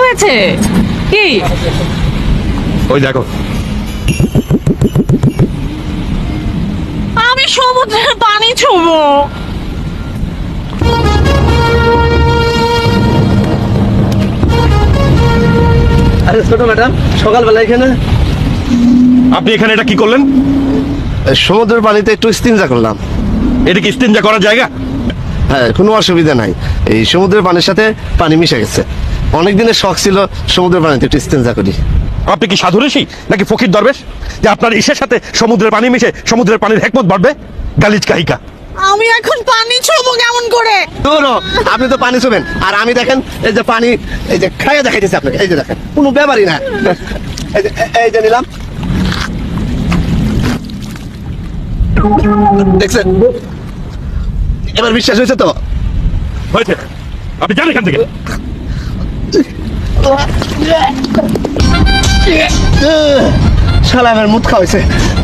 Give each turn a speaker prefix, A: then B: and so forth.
A: হয়েছে? কি
B: ওই দেখো,
A: আমি সমুদ্রের পানি ছুবো?
C: আরে ছোট ম্যাডাম, সকালবেলা এখানে
B: আপনি এখানে এটা কি করলেন?
C: সমুদ্রের পানিতে একটু ইস্তিনজা করলাম।
B: এটা কি ইস্তেঞ্জা করার জায়গা?
C: হ্যাঁ, কোনো অসুবিধা নাই। এই সমুদ্রের পানির সাথে পানি মিশে গেছে। অনেক দিনের শখ ছিল সমুদ্রের পানিতে একটু ইস্তিনজা করি।
B: আপনি কি সাধু ঋষি নাকি ফকির দরবেশ যে আপনার ইসের সাথে সমুদ্রের পানি মিশে সমুদ্রের পানির হেকমত বাড়বে? গালিজ কাহিকা।
A: আমি এখন পানি ছুবো কেমন করে?
C: দূরও, আপনি তো পানি ছুবেন আর আমি দেখেন এই যে পানি, এই যে খাইয়া দেখাইতেছি আপনাকে, এই যে দেখেন কোনো ব্যাপারই না। এই যে নিলাম, দেখছেন? এবার বিশ্বাস হয়েছে তো?
B: হয়েছে, আপনি যান এখান থেকে।
C: শালা আমার মুখ খাওয়াইছে।